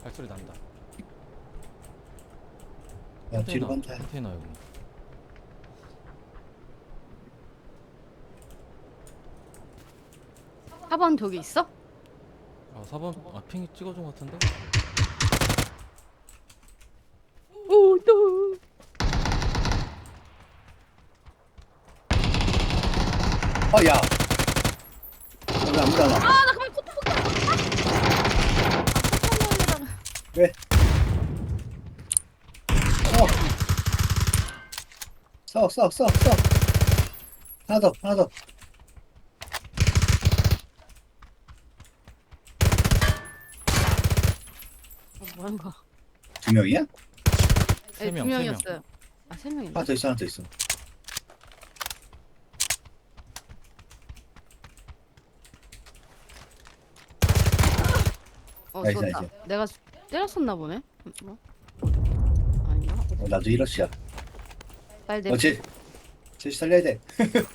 발소리 난다. 야 뒤로 간다. 컨테이너 여기. 4번 저기 있어? 아 4번 핑이 찍어준 것 같은데? 오, 또. 야. 여기 아무도 안 와. 아, 나 그만 포토 볼게. 왜? 써. 하나 더. 뭐한 거? 2명이야? 네, 3명, 2명이었어요. 아, 3명인가? 하나 더 있어. 나이스, 쏜다. 나이스. 내가 때렸었나 보네. 뭐? 아닌가? 나도 이러시야. 빨리 내. 쟤 살려야 돼.